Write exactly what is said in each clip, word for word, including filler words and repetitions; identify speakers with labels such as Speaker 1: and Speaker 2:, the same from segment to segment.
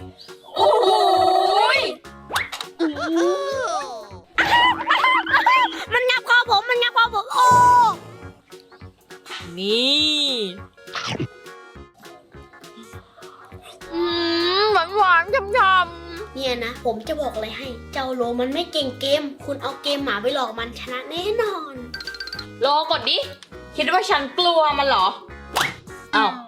Speaker 1: โอ้โหมันงับคอผมมันงับคอผมโอ้
Speaker 2: นี่อืมหวานหวานๆช่ำๆ
Speaker 1: เนี่ยนะผมจะบอกอะไรให้เจ้าโลมันไม่เก่งเกมคุณเอาเกมหมาไปหลอกมันชนะแน่นอน
Speaker 2: โลกดดิคิดว่าฉันกลัวมันเหรออ้าว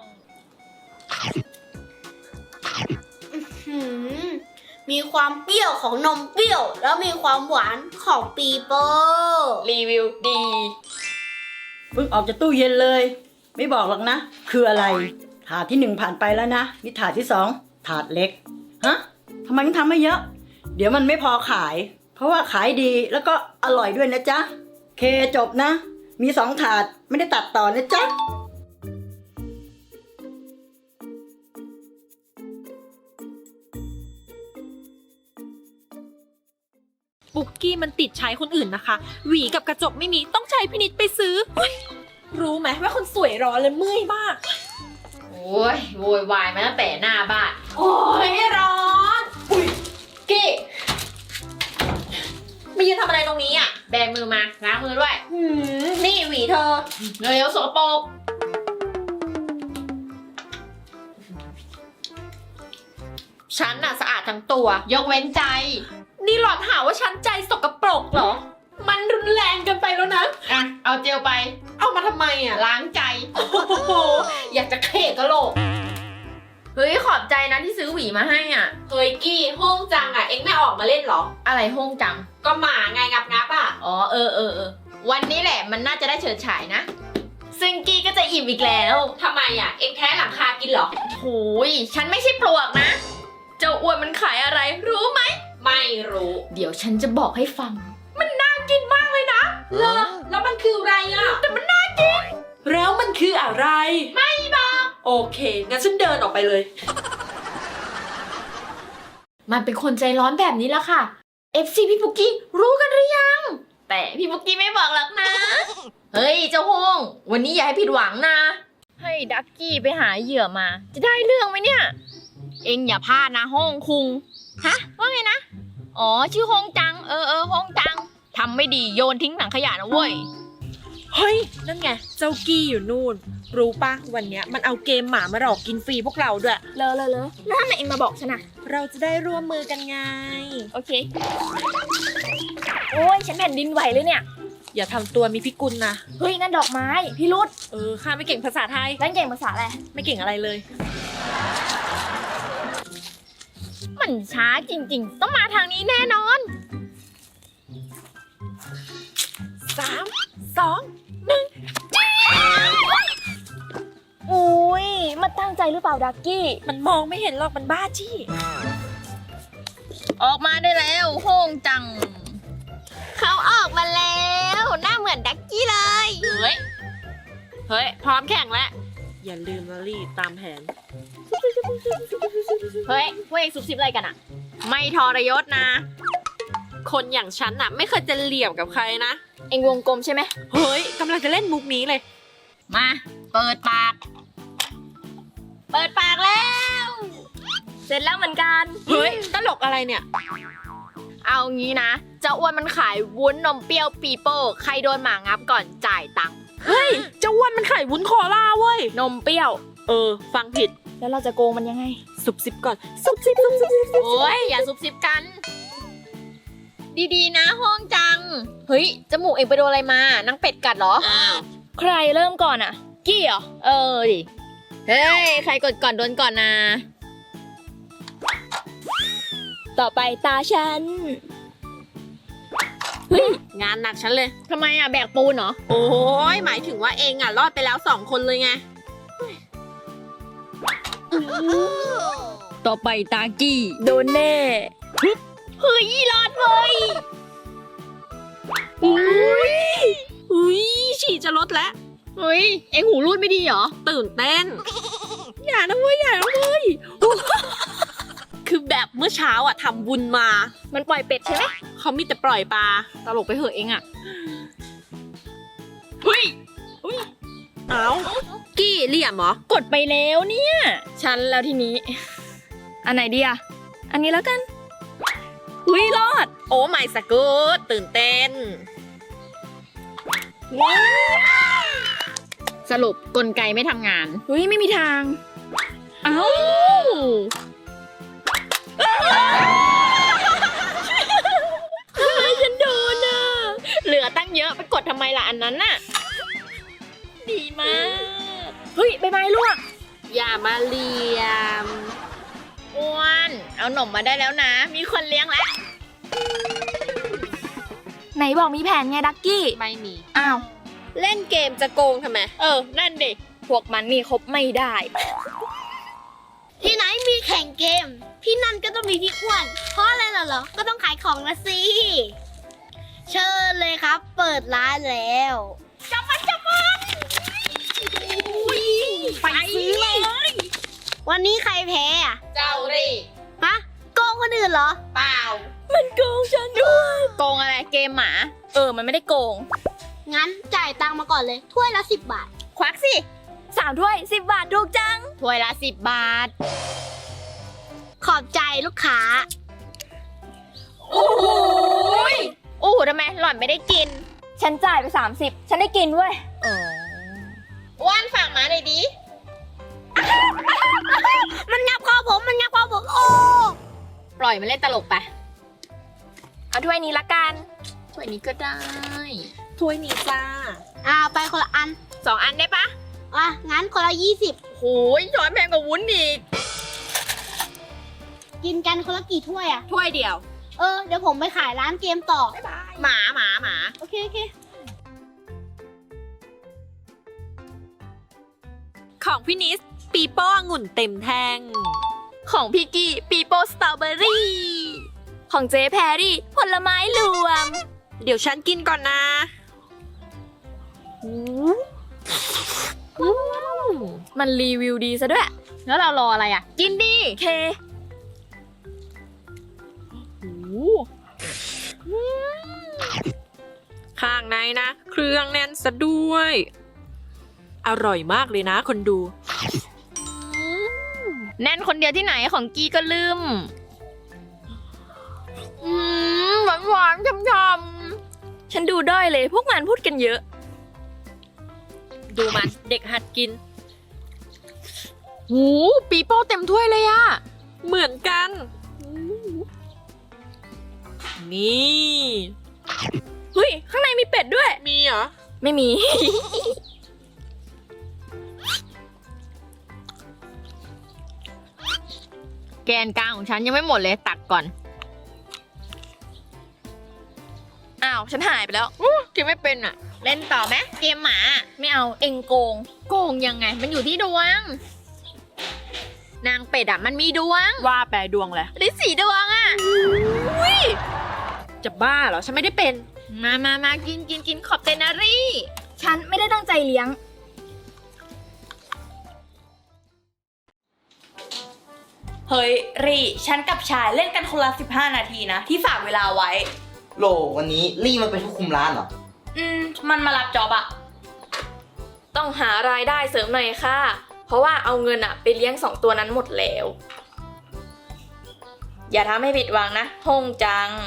Speaker 1: หืมมีความเปรี้ยวของนมเปรี้ยวแล้วมีความหวานของปีโป้
Speaker 2: รีวิวดี
Speaker 3: เพิ่งออกจากตู้เย็นเลย ไม่บอกหรอกนะ คืออะไร ถาดที่หนึ่งผ่านไปแล้วนะนี่ถาดที่สองถาดเล็กฮะทำไมถึงทำไม่เยอะ เดี๋ยวมันไม่พอขาย เพราะว่าขายดีแล้วก็อร่อยด้วยนะจ๊ะเคจบนะ มีสองถาดไม่ได้ตัดต่อนะจ๊ะ
Speaker 4: ปุกกี้มันติดใช้คนอื่นนะคะ หวีกับกระจกไม่มีต้องใช้พินิจไปซื้อ รู้ไหมว่าคนสวยร้อนเลยเมื่อยมาก
Speaker 2: โอ้ยโวยวายมาตั้งแต่หน้าบ้าน
Speaker 4: โอ้ยร้อนอุ้ยกี้มายืนทำอะไรตรงนี้อ่ะ
Speaker 2: แบมือมาล้างมือด้วย
Speaker 4: หืมนี่หวีเธอ
Speaker 2: เร็วๆสกปรกฉันน่ะสะอาดทั้งตัว ยกเว้นใจ
Speaker 4: นี่หลอดหาว่าฉันใจสกปรกเหรอ มันรุนแรงเกินไปแล้วนะ
Speaker 2: อ่ะ เอาเจลไป
Speaker 4: เอามาทำไมอ่ะ
Speaker 2: ล้างใจ
Speaker 4: โอ้โหอยากจะเขกกะโหลก
Speaker 2: เฮ้ย ขอบใจนะที่ซื้อหวีมาให้อ่ะ
Speaker 4: เฮ้ยกี้ห้องจังอ่ะเอ็งไม่ออกมาเล่นเหรอ
Speaker 2: อะไรห้องจัง
Speaker 4: ก็หมาไงงับงับอ่ะ
Speaker 2: อ๋อ เออเออเออ วันนี้แหละมันน่าจะได้เฉิดฉายนะ ซึ่งกี้ก็จะอิ่มอีกแล้ว
Speaker 4: ทำไมอ่ะ เอ็งแท้หลังคากินเหรอ
Speaker 2: โหูย ฉันไม่ใช่ปลวกนะ เจ้าอ้วนมันขายอะไร รู้ไหม
Speaker 4: ไม่รู้
Speaker 2: เดี๋ยวฉันจะบอกให้ฟัง
Speaker 4: กินมากเลยนะเลอแล้วมันคืออะไรอ่ะ แต่มันน่ากิน แล้วมันคืออะไร ไม่บอก โอเค งั้นฉันเดินออกไปเลย
Speaker 2: มันเป็นคนใจร้อนแบบนี้แล้วค่ะ เอฟ ซี พี่ปุกกี้รู้กันหรือยัง แต่พี่ปุกกี้ไม่บอกหรอกนะ เฮ้ยเจ้าห้อง วันนี้อย่าให้ผิดหวังนะ ให้ดักกี้ไปหาเหยื่อมา จะได้เรื่องไหมเนี่ย เอ็งอย่าพลาดนะห้องคุง ฮะ ว่าไงนะ อ๋อชื่อห้องจัง เออเออห้องจังทำไม่ดีโยนทิ้งถังขยะนะเว้ย
Speaker 4: เฮ้ย นั่นไง เจ้ากี้อยู่นู่น รู้ปะวันเนี้ยมันเอาเกมหมามาหลอกกินฟรีพวกเราด้วย
Speaker 2: เลอะเลอะเลอะแล้วทำไมเอ็งมาบอกฉันอะ
Speaker 4: เราจะได้ร่วมมือกันไง
Speaker 2: โอเค โอ้ยฉันแผ่นดินไหวเลยเนี่ย
Speaker 4: อย่าทำตัวมีพิกุลนะ
Speaker 2: เฮ้ยนั่นดอกไม้ พี่รุด
Speaker 4: เออ ข้าไม่เก่งภาษาไทย
Speaker 2: นั่นเก่งภาษาอะไร
Speaker 4: ไม่เก่งอะไรเลย
Speaker 2: มันช้าจริงๆ ต้องมาทางนี้แน่นอน
Speaker 4: สาม สอง
Speaker 2: อุ้ยมันตั้งใจหรือเปล่าดักกี้
Speaker 4: มันมองไม่เห็นหรอก มันบ้าจี้
Speaker 2: ออกมาได้แล้วโฮ่งจัง เขาออกมาแล้ว หน้าเหมือนดักกี้เลย
Speaker 4: เฮ้ย เฮ้ย พร้อมแข่งแล้ว อย่าลืมนะลี่ตามแผน
Speaker 2: เฮ้ยพวกเองซุบซิบอะไรกันอะไม่ทรยศนะ
Speaker 4: คนอย่างฉันน่ะ ไม่เคยจะเหลี่ยมกับใครนะ
Speaker 2: เองวงกลมใช่ไหม
Speaker 4: เฮ้ยกำลังจะเล่นมุกนี้เลย
Speaker 2: มา เปิดปาก เปิดปากแล้ว เสร็จแล้วเหมือนกัน
Speaker 4: เฮ้ย ตลกอะไรเนี่ย
Speaker 2: เอางี้นะ เจ้าอ้วนมันขายวุ้นนมเปรี้ยวปีโป้ ใครโดนหมางับก่อนจ่ายตังค์
Speaker 4: เฮ้ย เจ้าอ้วนมันไข่วุ้นโคลาเว้ย
Speaker 2: นมเปรี้ยว
Speaker 4: เออ ฟังผิด
Speaker 2: แล้วเราจะโกงมันยังไง
Speaker 4: สุบซิบก่อน สุบซิบสุบซิบสุบซิบ
Speaker 2: โอ้ย อย่าซุบซิบกัน ดีๆนะห้องจัง เฮ้ย จมูกเองไปโดนอะไรมานังเป็ดกัดเหรอ ใครเริ่มก่อนอะกี้เหรอ เออดิ เฮ้ย ใครกดก่อนโดนก่อนนะ ต่อไปตาฉัน เฮ้ย
Speaker 4: งานหนักฉันเลย
Speaker 2: ทำไมอะแบกปูนเหรอ
Speaker 4: โอ้ยหมายถึงว่าเองอ่ะ รอดไปแล้วสองคนเลยไง
Speaker 2: ต่อไปตากี้โดนแน่ เฮ้ยรอดเลย
Speaker 4: อุ้ยอุ้ยฉี่จะลดแล้ว
Speaker 2: เฮ้ย เอ็งหูรูดไม่ดีเหรอ
Speaker 4: ตื่นเต้น อย่านะเว้ย อย่านะเว้ย คือแบบเมื่อเช้าอ่ะทำบุญมา
Speaker 2: มันปล่อยเป็ดใช่ไหม
Speaker 4: เขามีแต่ปล่อยปลา ตลกไปเหอะเองอ่ะ เฮ้ยเอากี้เหลี่ยมเหรอ
Speaker 2: กดไปแล้วเนี่ย ฉันแล้วทีนี้อันไหนดีอะอันนี้แล้วกันอุ้ยรอด
Speaker 5: โอ้ไม่สกูตตื่นเต้น สรุปกลไกไม่ทำงาน
Speaker 2: อุ้ยไม่มีทาง เอ้าทำไมฉันโดนอ่ะ
Speaker 5: เหลือตั้งเยอะไปกดทำไมล่ะอันนั้นน่ะ
Speaker 2: ดีมาก เฮ้ยใบไม้ร่วง
Speaker 5: อย่ามาเหลี่ยมอ้วนเอาหนมมาได้แล้วนะ มีคนเลี้ยงแล้ว
Speaker 2: ไหนบอกมีแผนไงดักกี้
Speaker 5: ไม่มี
Speaker 2: อ้าว
Speaker 5: เล่นเกมจะโกงทำไม เออ นั่นดิ
Speaker 2: พวกมันนี่คบไม่ได้
Speaker 1: ที่ไหนมีแข่งเกม ที่นั่นก็ต้องมีพี่อ้วน เพราะอะไรเหรอ ก็ต้องขายของนะสิ เชิญเลยครับ เปิดร้านแล้วจับมันจับมันไปซื้อเลย วันนี้ใครแพ้อะ
Speaker 5: เจ้าดิ
Speaker 1: ฮะโกงคนอื่นเหรอ
Speaker 5: เปล่า
Speaker 2: มันโกงฉันด้วย
Speaker 5: โกงอะไรเกมหมา
Speaker 2: เออ มันไม่ได้โกง
Speaker 1: งั้นจ่ายตังค์มาก่อนเลย ถ้วยละสิบบาท
Speaker 5: ควักสิ
Speaker 2: สามถ้วยสิบบาทถูกจัง
Speaker 5: ถ้วยละสิบบาท
Speaker 1: ขอบใจลูกค้า
Speaker 5: โอ้โหยโอ้โหทำไมหล่อนไม่ได้กิน
Speaker 2: ฉันจ่ายไปสามสิบฉันได้กินเว้ย
Speaker 5: อ้วนฝากหมาหน่อยดิ
Speaker 1: มันงับคอผม มันงับคอผม โอ้
Speaker 5: ปล่อยมันเล่นตลกไป
Speaker 2: เอาถ้วยนี้ละกัน
Speaker 5: ถ้วยนี้ก็ได้
Speaker 4: ถ้วยนี้จ้า
Speaker 1: อ่าไปคนละอัน
Speaker 5: สองอันได้ปะ
Speaker 1: อ่ะ งั้นคนละยี่สิบ
Speaker 5: โหยช้อนแพงกว่าวุ้นอีก
Speaker 1: กินกันคนละกี่ถ้วยอ่ะ
Speaker 5: ถ้วยเดียว
Speaker 1: เออ เดี๋ยวผมไปขายร้านเกมต่อ
Speaker 5: หมาหมาหมา
Speaker 1: โอเค โอเค
Speaker 4: ของพี่นิส ปีโป้องุ่นเต็มแท่ง
Speaker 2: ของพี่กี้ปีโป้สตรอเบอรี่ ของเจ๊แพรรี่ผลไม้รวม
Speaker 4: เดี๋ยวฉันกินก่อนนะ
Speaker 2: มันรีวิวดีซะด้วย
Speaker 5: แล้วเรารออะไรอ่ะ กินดิ
Speaker 2: เค
Speaker 4: ข้างในนะ เครื่องแน่นซะด้วย อร่อยมากเลยนะคนดู
Speaker 5: แน่นคนเดียวที่ไหนของกีก็ลืม
Speaker 2: อืมหวานหวานๆช่ำๆฉันดูด้อยเลย พวกมันพูดกันเยอะ
Speaker 4: ดูมันเด็กหัดกิน
Speaker 5: หูปีโป้เต็มถ้วยเลยอะ
Speaker 4: เหมือนกัน นี่
Speaker 2: เฮ้ย ข้างในมีเป็ดด้วย
Speaker 4: มีเหรอ
Speaker 2: ไม่มี
Speaker 5: แกนกลางของฉันยังไม่หมดเลยตักก่อน
Speaker 2: อ้าว ฉันหายไปแล้ว
Speaker 5: กินไม่เป็นอะเล่นต่อไหมเกมหมา
Speaker 2: ไม่เอาเองโกง
Speaker 5: โกงยังไง มันอยู่ที่ดวง นางเป็ดอะมันมีดวง
Speaker 4: ว่าแปลดวงแหละ
Speaker 5: ลิสีดวงอะ
Speaker 4: จะบ้าเหรอ ฉันไม่ได้เป็น
Speaker 5: มามามากินกินกินขอบเตนารี่
Speaker 2: ฉันไม่ได้ตั้งใจเลี้ยง
Speaker 6: เฮ้ยรีฉันกับชายเล่นกันคนละสิบห้านาทีนะ ที่ฝากเวลาไว้
Speaker 7: โหลวันนี้ลี่มาเป็นผู้คุมร้านเหรอ
Speaker 6: อืม มันมารับจอบอะ
Speaker 2: ต้องหารายได้เสริมหน่อยค่ะ เพราะว่าเอาเงินอะไปเลี้ยงสองตัวนั้นหมดแล้ว อย่าทำให้ผิดหวังนะฮงจัง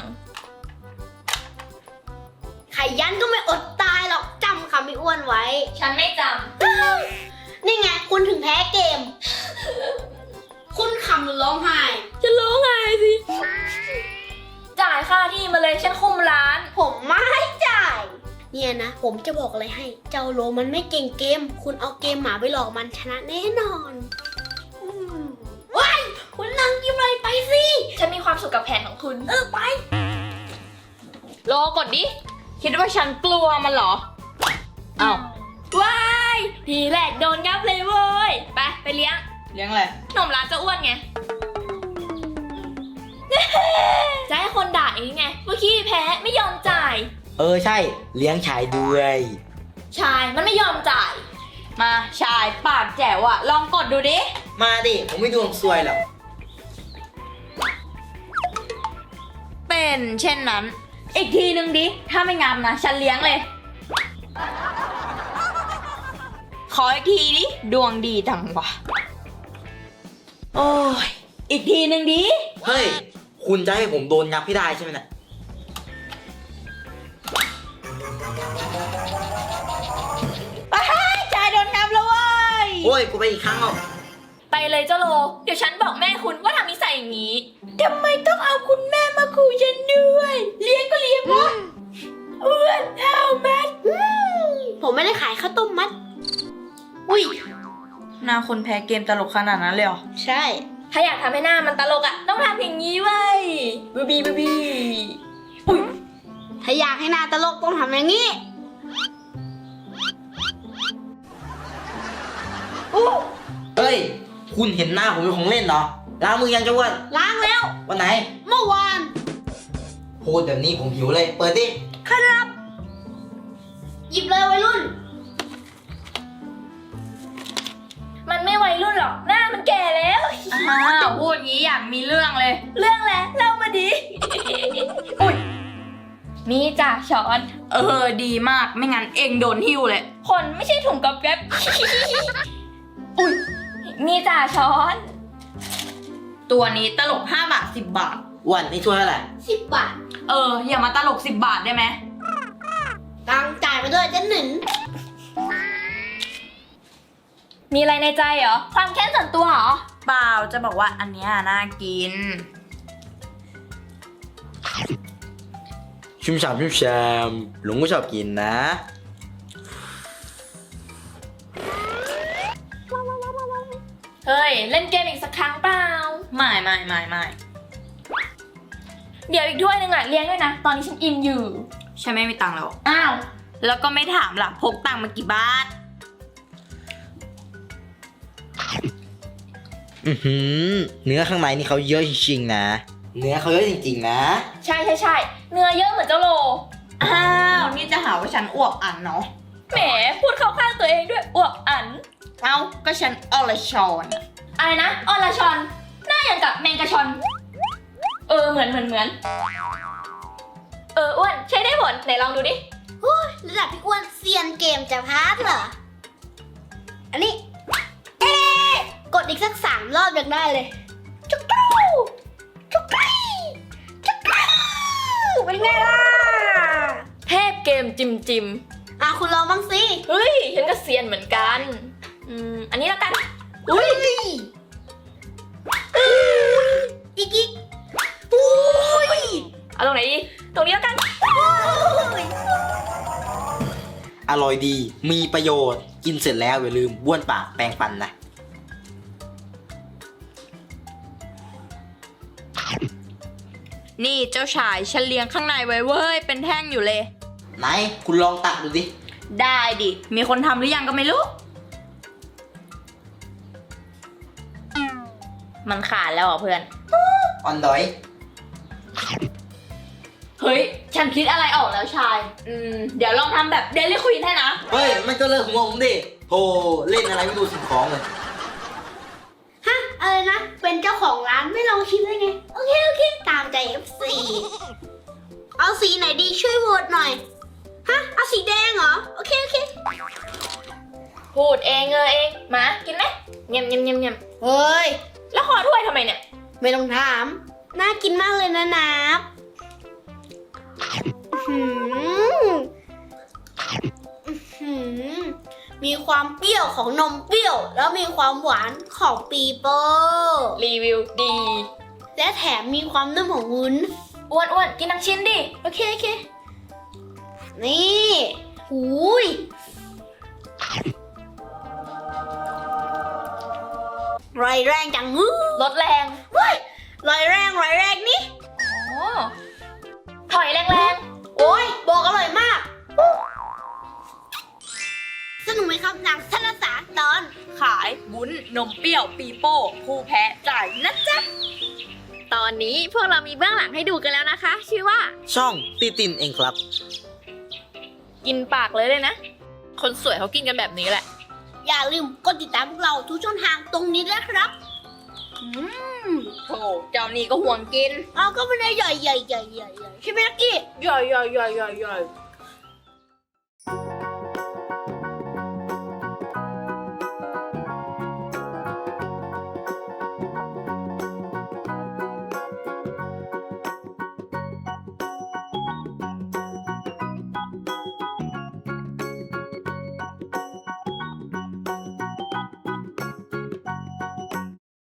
Speaker 1: ไข่ยันก็ไม่อดตายหรอกจำคำพี่อ้วนไว้
Speaker 2: ฉันไม่จ
Speaker 1: นี่ไง คุณถึงแพ้เกม คุณขำหรือร้องไห้
Speaker 2: ำจะร้องไห้สิ จ่ายค่าที่มาเลยฉันคุมร้าน
Speaker 1: ผมไม่จ่าย เนี่ยนะ ผมจะบอกอะไรให้ เจ้าโลมันไม่เก่งเกม คุณเอาเกมหมาไปหลอกมันชนะแน่นอนอืมว้ายคุณนั่งยิ้มอะไรไปสิ
Speaker 2: ฉันมีความสุขกับแผนของคุณ
Speaker 1: เออไป
Speaker 5: โลกดดิ คิดว่าฉันกลัวมันเหรอ
Speaker 2: อ้าวว้ายทีแรกโดนงับเลยเว้ย ไป ไปเลี้ยง
Speaker 7: เลี้ยงอะไร
Speaker 2: หนุ่มร้านจะอ้วนไง จะให้คนด่าเองไงเมื่อกี้แพ้ไม่ยอมจ่าย
Speaker 7: เออใช่ เลี้ยงชายด้วย
Speaker 2: ชายมันไม่ยอมจ่าย มาชายปากแจ๋วอะลองกดดูดิ
Speaker 7: มาดิ ผมไม่ดวงซวยหรอก
Speaker 2: เป็นเช่นนั้น อีกทีนึงดิ ถ้าไม่งามนะ ฉันเลี้ยงเลย ขออีกทีดิ ดวงดีจังวะ
Speaker 6: โอ้ยอีกทีหนึ่งดิ
Speaker 7: เฮ้ย คุณจะให้ผมโดนยับให้ได้ใช่ไหมเนี่ย
Speaker 6: ชายโดนนับแล้วเว้ย
Speaker 7: โอ้ย กูไปอีกครั้งอ่ะ
Speaker 2: ไปเลยเจ้าโล เดี๋ยวฉันบอกแม่คุณว่าทำนิสัยอย่างนี้
Speaker 6: ทำไมต้องเอาคุณแม่มาขู่ฉันด้วย เลี้ยงก็เลี้ยงวะอ้วนเอาแม่
Speaker 1: ผมไม่ได้ขายข้าวต้มมัด อุ้ย
Speaker 6: หน้าคนแพ้เกมตลกขนาดนั้นเลยเหรอ
Speaker 1: ใช่
Speaker 2: ถ้าอยากทำให้หน้ามันตลกอ่ะ ต้องทำอย่างนี้เว้ยบูบีบูบี
Speaker 1: ถ้าอยากให้หน้าตลกต้องทำอย่างนี้
Speaker 7: เฮ้ย คุณเห็นหน้าผมเป็นของเล่นเหรอ ล้างมือยังจะอ้วน
Speaker 1: ล้างแล้ว
Speaker 7: วันไหน
Speaker 1: เมื่อวาน
Speaker 7: พูดแบบนี้ผมหิวเลย เปิดดิ
Speaker 1: หยิบเลยวัยรุ่น
Speaker 2: มันไม่วัยรุ่นหรอก หน้ามันแก่แล้ว
Speaker 6: อ้าวพูดงี้อยากมีเรื่องเลย
Speaker 2: เรื่องแล้วเล่ามาดิ นี่จ้ะช้อน
Speaker 6: เออดีมากไม่งั้นเองโดนหิ้วเลย
Speaker 2: คนไม่ใช่ถุงกับแก๊บ อุ้ยนี่จ้ะช้อน
Speaker 6: ตัวนี้ตลกห้าบาทสิบบาท
Speaker 7: อ้วนนี่ช่วยเท่าไหร่
Speaker 1: สิบบาท
Speaker 6: เออ อย่ามาตลกสิบบาทได้ไหม
Speaker 1: ตังค์จ่ายไปด้วยจะหนึ่ง
Speaker 2: มีอะไรในใจเหรอ ความแค้นส่วนตัวเหรอ
Speaker 6: เปล่าจะบอกว่าอันเนี้ยน่ากิน
Speaker 7: ชุ่มฉ่ำชุ่มแชมหลงก็ชอบกินนะ
Speaker 2: เฮ้ย เล่นเกมอีกสักครั้งเปล่า
Speaker 6: ไม่ไม่ไม่ไม่
Speaker 2: เดี๋ยวอีกถ้วยหนึงอ่ะเลี้ยงด้วยนะ ตอนนี้ฉันอิ่มอยู่
Speaker 6: ฉันไม่มีตังค์แล้ว
Speaker 2: อ้าว
Speaker 6: แล้วก็ไม่ถามล่ะพกตังค์มากี่บาท
Speaker 7: อือหือ เนื้อข้างในนี่เขาเยอะจริงๆนะ เนื้อเขาเยอะจริงๆนะ
Speaker 2: ใช่ใช่ใช่เนื้อเยอะเหมือนเจ้าโล
Speaker 6: อ้าว นี่จะหาว่าฉันอวบอันเนาะ
Speaker 2: แหม พูดเข้าข้างตัวเองด้วยอวบอัน
Speaker 6: เอ้า ก็ฉันอรชรอะ
Speaker 2: อะไรนะออลาชอน หน้าอย่างกับแมงกะชอน เออ เหมือนเหมือนเหมือน เออ อ้วน ใช้ได้ผล ไหนลองดูดิ
Speaker 1: ระดับพี่อ้วนเซียนเกมจะพาร์ทเหรอ อันนี้ เอ๊ะกดอีกสักสามรอบยังได้เลย จุกกรูจุกกรีจุกกรูเป็นไงล่ะ
Speaker 2: เทพเกมจิมจิม
Speaker 1: อ่ะคุณลองบ้างสิ
Speaker 2: เฮ้ย ฉันก็เซียนเหมือนกัน อืม อันนี้แล้วกัน
Speaker 1: อุ้ยอีกอีกอุ้ย
Speaker 2: เอาตรงไหนดี ตรงนี้แล้วกัน
Speaker 7: อร่อยดี มีประโยชน์ กินเสร็จแล้วอย่าลืมบ้วนปากแปรงฟันนะ
Speaker 6: นี่เจ้าชายฉันเลี้ยงข้างในไว้เว้ย เป็นแท่งอยู่เลย
Speaker 7: ไหน คุณลองตักดูดิ
Speaker 6: ได้ดิ มีคนทำหรือยังก็ไม่รู้
Speaker 2: มันขาดแล้วเหรอเพื่อน
Speaker 7: อ่อนดอย
Speaker 2: เฮ้ย ฉันคิดอะไรออกแล้วชาย อืม เดี๋ยวลองทำแบบเดลิควีนให้นะ
Speaker 7: เฮ้ย มันก็เลิกหัวผมดิโธ่เล่นอะไรไม่ดูสิ่งของเลย
Speaker 1: ฮะ อะไรนะ เป็นเจ้าของร้านไม่ลองชิมได้ไง โอเค โอเค ตามใจ เอฟ ซี เอาสีไหนดีช่วยโหวตหน่อย ฮะ เอาสีแดงเหรอ โอเค โอเค
Speaker 2: พูดเองเออเอง มา กินไหมเงียมเงียมเงียมเงียม
Speaker 1: เฮ้ย
Speaker 2: แล้วขอถ้วยทำไมเนี่ย
Speaker 1: ไม่ต้องถาม น่ากินมากเลยนะนับอื้อหืออื้อหือมีความเปรี้ยวของนมเปรี้ยว แล้วมีความหวานของปีโป้
Speaker 2: รีวิวดี
Speaker 1: และแถมมีความนุ่มของวุ้น
Speaker 2: อ้วนอ้วนกินทั้งชิ้นดิ
Speaker 1: โอเค โอเค นี่หูยรอยแรงจังฮึ
Speaker 2: รสแรง
Speaker 1: รอยแรงรอยแรงนี่
Speaker 2: อ๋อ ถอยแรง
Speaker 1: โอ้ยบอกอร่อยมาก สนุกไหมครับหนังสารสารตอน
Speaker 6: ขายวุ้นนมเปรี้ยวปีโป้ ผู้แพ้จ่ายนะจ๊ะ
Speaker 2: ๆ ตอนนี้พวกเรามีเบื้องหลังให้ดูกันแล้วนะคะ ชื่อว่า
Speaker 7: ช่องตีตินเองครับ
Speaker 2: กินปากเลยเลยนะ คนสวยเขากินกันแบบนี้แหละ
Speaker 1: อย่าลืมกดติดตามพวกเราทุกช่องทางตรงนี้ด้วยครับ อืม
Speaker 6: โธ่เจ้านี่ก็ห่วงกิน
Speaker 1: เอาก็ไม่ได้ใหญ่ใหญ่ใหญ่ใหญ่ใหญ่ใช่ไหมลักกี้
Speaker 6: ย่อยย่อยย่อยย่อยย่อย